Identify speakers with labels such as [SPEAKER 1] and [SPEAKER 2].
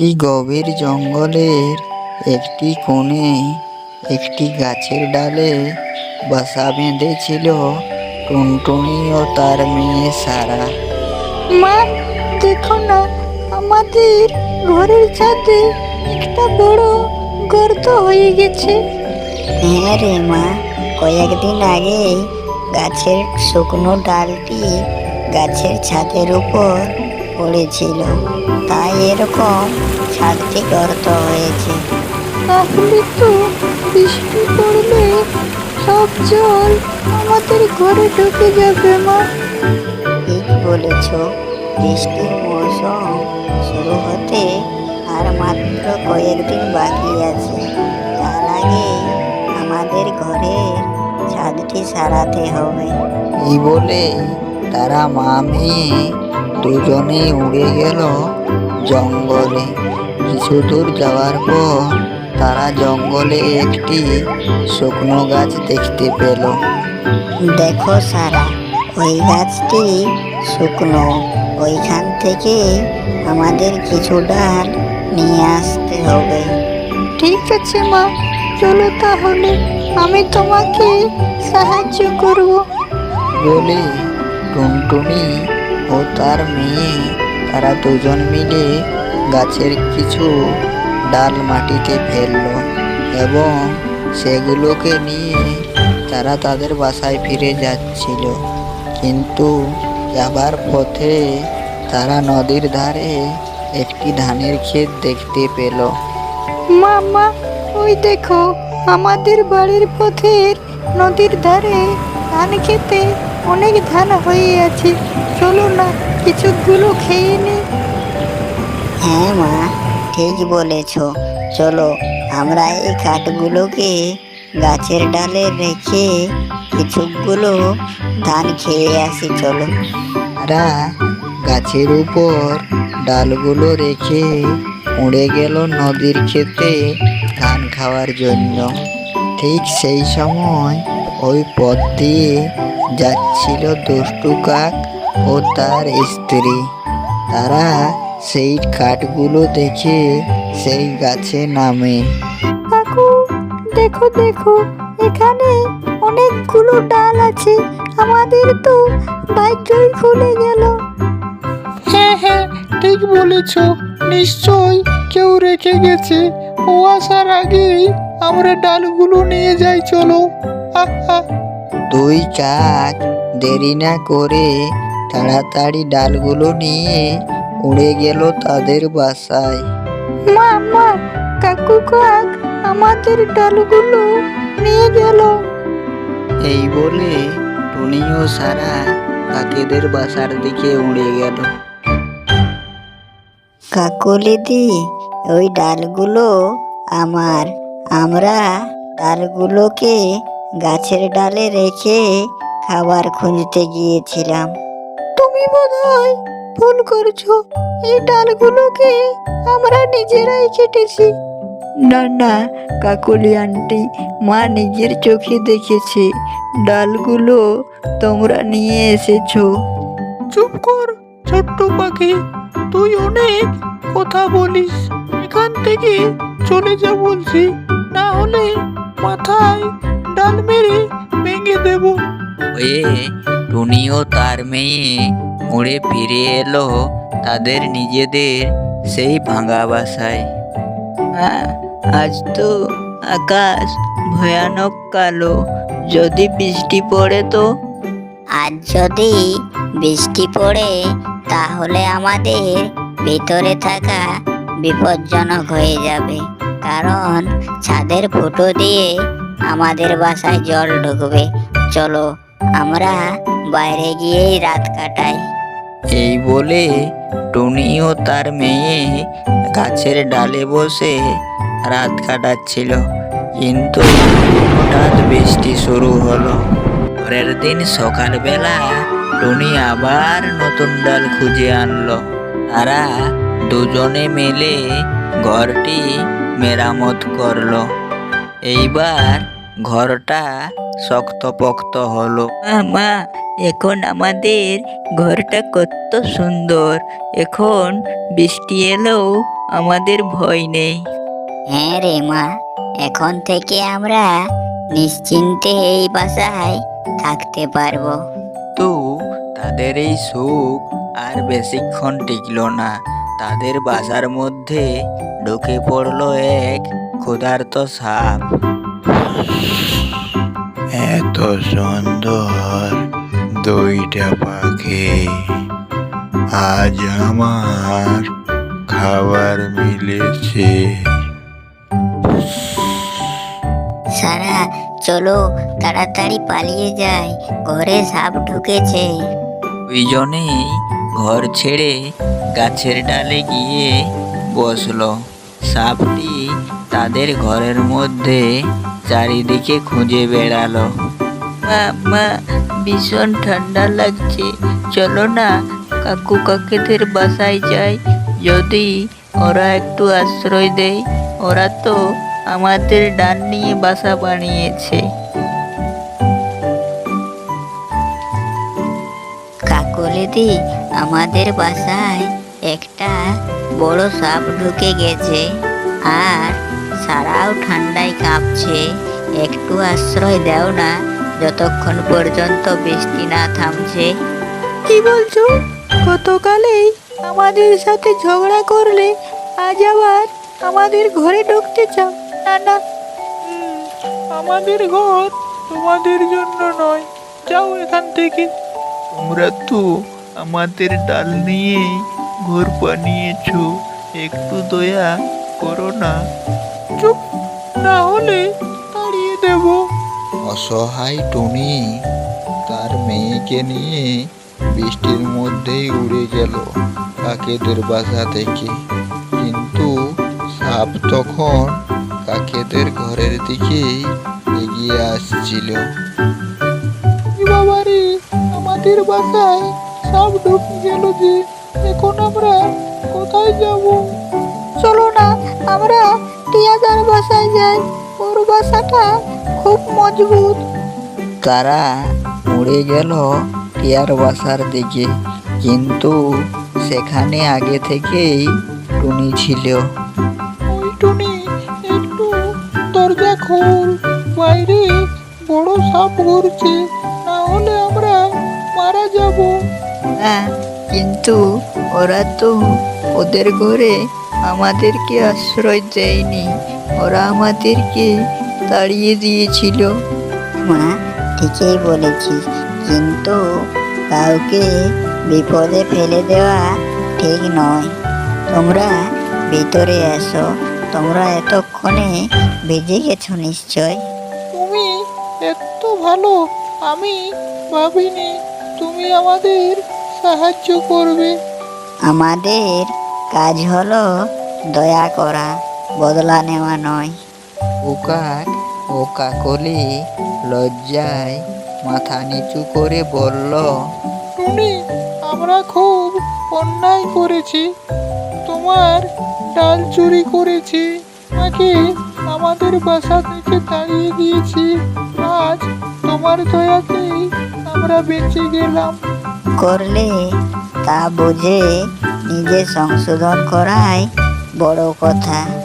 [SPEAKER 1] একটি গভীর জঙ্গলের একটি কোণে একটি গাছের ডালে বাসা বেঁধেছিল টুনটুনি ও তার মেয়ে সারা।
[SPEAKER 2] মা, দেখো না, আমাদের ঘরের ছাদে একটা বড় গর্ত হয়ে গেছে।
[SPEAKER 3] হ্যাঁ রে মা, কয়েকদিন আগে গাছের শুকনো ডালটি গাছের ছাদের উপর পড়েছিল, তাই এরকম ছাদটি গর্ত হয়েছে।
[SPEAKER 2] তাহলে তো বৃষ্টি পড়লে সব জল আমাদের ঘরে ঢুকে যাবে মা।
[SPEAKER 3] ঠিক বলেছ, বৃষ্টির মৌসুম শুরু হতে আর মাত্র কয়েকদিন বাকি আছে। তার আগে আমাদের ঘরের ছাদটি সারাতে হবে।
[SPEAKER 1] এই বলে তারা মা মেয়ে দুজনেই উড়ে গেল জঙ্গলে। কিছু দূর যাওয়ার পর তারা জঙ্গলে একটি শুকনো গাছ দেখতে পেল।
[SPEAKER 3] দেখো সারা, ওই গাছটি শুকনো, ওইখান থেকে আমাদের কিছু ডাল নিয়ে আসতে হবে।
[SPEAKER 2] ঠিক আছে মা, চলো তাহলে, আমি তোমাকে সাহায্য করব।
[SPEAKER 1] বলে টুনটুনি ও তার মেয়ে তারা দুজন মিলে গাছের কিছু ডাল মাটিতে ফেললো এবং সেগুলোকে নিয়ে তারা তাদের বাসায় ফিরে যাচ্ছিল। কিন্তু যাবার পথে তারা নদীর ধারে একটি ধানের ক্ষেত দেখতে পেল।
[SPEAKER 2] মা মা, ওই দেখো, আমাদের বাড়ির পথের নদীর ধারে ধান খেতে অনেক ধান হয়ে আছে। চলো না, কিছুগুলো খেয়ে নি।
[SPEAKER 3] হ্যাঁ মা, ঠিক বলেছ, চলো আমরা এই কাঠগুলোকে গাছের ডালে রেখে কিছুগুলো ধান খেয়ে আসি, চলো।
[SPEAKER 1] তারা গাছের উপর ডালগুলো রেখে উড়ে গেল নদীর ক্ষেতে ধান খাওয়ার জন্য। ঠিক সেই সময় ওই পথ দিয়ে যাচ্ছিল দুষ্টু কাক ও তার স্ত্রী। তারা সেই কাঠগুলো দেখে সেই গাছে নামে।
[SPEAKER 2] কাকু, দেখো দেখো, এখানে অনেকগুলো ডাল আছে, আমাদের তো ভাগ্যই খুলে গেল।
[SPEAKER 4] হ্যাঁ হ্যাঁ, ঠিক বলেছ, নিশ্চয় কেউ রেখে গেছে। ও আসার আগেই আমরা ডালগুলো নিয়ে যাই, চলো। আহা,
[SPEAKER 1] দুই কাক দেরি না করে তাড়াতাড়ি ডালগুলো নিয়ে উড়ে গেল তাদের বাসায়।
[SPEAKER 2] মা মা, কাকু কাক আমাদের ডালগুলো নিয়ে গেল।
[SPEAKER 1] এই বলে টুনি ও সারা কাকেদের বাসার দিকে উড়ে গেল।
[SPEAKER 3] কাকুলিদি, ওই ডালগুলো আমার। আমরা ডালগুলোকে গাছের ডালে রেখে খাবার খুঁজতে গিয়েছিলাম।
[SPEAKER 2] তুমি বোধহয় ভুল করছো, এই ডালগুলোকে আমরা নিজেরাই কেটেছি।
[SPEAKER 1] না না কাকলি আন্টি, মা নিজের চোখে দেখেছে ডালগুলো তোমরা নিয়ে এসেছো।
[SPEAKER 4] চুপ কর ছোট্ট পাখি, তুই অনেক কথা বলিস। এখান থেকে চলে যা বলছি, না হলে মাথায় ডাল মেরে ভেঙে দেব।
[SPEAKER 1] হয়ে টুনি ও তার মেয়ে উড়ে ফিরে এলো তাদের নিজেদের সেই ভাঙা বাসায়। আজ তো আকাশ ভয়ানক কালো, যদি বৃষ্টি পড়ে তো।
[SPEAKER 3] আজ যদি বৃষ্টি পড়ে তাহলে আমাদের ভিতরে থাকা বিপজ্জনক হয়ে যাবে, কারণ ছাদের ফুটো দিয়ে আমাদের বাসায় জল ঢুকবে। চলো আমরা বাইরে গিয়েই রাত কাটাই।
[SPEAKER 1] এই বলে টুনি ও তার মেয়ে গাছের ডালে বসে রাত কাটাচ্ছিল, কিন্তু হঠাৎ বৃষ্টি শুরু হলো। পরের দিন সকালবেলা টুনি আবার নতুন ডাল খুঁজে আনলো। তারা দুজনে মিলে ঘরটি মেরামত করলো। এইবার ঘরটা শক্তপোক্ত হলো। মা, এখন আমাদের ঘরটা কত সুন্দর, এখন বৃষ্টি এলেও আমাদের ভয় নেই।
[SPEAKER 3] হ্যাঁ রে মা, এখন থেকে আমরা নিশ্চিন্তে এই বাসায় থাকতে পারবো।
[SPEAKER 1] তো তাদের এই সুখ আর বেশিক্ষণ টিকল না। তাদের বাসার মধ্যে ঢুকে পড়লো এক ক্ষুধার্ত সাপ।
[SPEAKER 5] এত সুন্দর দুইটা পাখি, আজ আমার খাবার মিলেছে।
[SPEAKER 3] সারা, চলো তাড়াতাড়ি পালিয়ে যাই, ঘরে সাপ ঢুকেছে।
[SPEAKER 1] দুইজনেই ঘর ছেড়ে গাছের ডালে গিয়ে বসলো। সাপটি তাদের ঘরের মধ্যে চারিদিকে খুঁজে বেড়ালো। মা মা, ভীষণ ঠান্ডা লাগছে, চলো না কাকু কাকিদের বাসায় যাই, যদি ওরা একটু আশ্রয় দেয়। ওরা তো আমাদের ডান নিয়ে বাসা বানিয়েছে।
[SPEAKER 3] কাকলিদি, আমাদের বাসায় একটা বড় সাপ ঢুকে গেছে, আর সারাও ঠান্ডায় কাঁপছে। একটু আশ্রয় দাও না, যতক্ষণ পর্যন্ত বৃষ্টি না থামছে।
[SPEAKER 2] কি বলছো? গতকালেই আমাদের সাথে ঝগড়া করলে আজ আবার আমাদের ঘরে ঢুকতে চাও? না না,
[SPEAKER 4] আমাদের ঘর তোমাদের জন্য নয়, যাও এখান থেকে। তোমরা তো আমাদের ডাল নিয়ে ঘর বানিয়েছো, একটু দয়া করো না। চুপ, না হলে তাড়িয়ে দেব।
[SPEAKER 5] অসহায় টুনি তার মেয়েকে নিয়ে বৃষ্টির মধ্যেই উড়ে গেল কাকেদের বাসা থেকে। কিন্তু সাপ তখন কাকেদের ঘরের দিকেই এগিয়ে আসছিল।
[SPEAKER 4] বাবারে, আমাদের বাসায় সাপ ঢুকে গেল যে, এখন আমরা কোথায় যাব?
[SPEAKER 2] চলো না আমরা টিয়াদার বাসায় যাই, ওর বাসাটা খুব মজবুত।
[SPEAKER 1] তারা উড়ে গেল টিয়ার বাসার দিকে, কিন্তু সেখানে আগে থেকেই টুনি ছিল।
[SPEAKER 4] ওই টুনি, একটু দরজা খোল, বাইরে বড় সাপ ঘুরছে, না হলে আমরা মারা যাব।
[SPEAKER 1] হ্যাঁ, কিন্তু ওরা তো ওদের ঘরে আমাদেরকে আশ্রয় দেয়নি, ওরা আমাদেরকে তাড়িয়ে দিয়েছিল।
[SPEAKER 3] মা, ঠিকই বলেছিস, কিন্তু কাউকে বিপদে ফেলে দেওয়া ঠিক নয়। তোমরা ভিতরে এসো, তোমরা এতক্ষণে ভিজে গেছো নিশ্চয়।
[SPEAKER 4] তুমি এত ভালো, আমি ভাবিনি তুমি আমাদের সাহায্য করবে।
[SPEAKER 3] আমাদের কাজ হলো দয়া করা, বদলা নেওয়া নয়।
[SPEAKER 1] ও কাক ও কাকলি লজ্জায় মাথা নিচু করে বলল,
[SPEAKER 4] টুনি, আমরা খুব অন্যায় করেছি, তোমার ডাল চুরি করেছি, তোমাকে আমাদের বাসা থেকে তাড়িয়ে দিয়েছি। আজ তোমার দয়াতেই আমরা বেঁচে গেলাম।
[SPEAKER 3] করলে তা বুঝে নিজে সংশোধন করাই বড় কথা।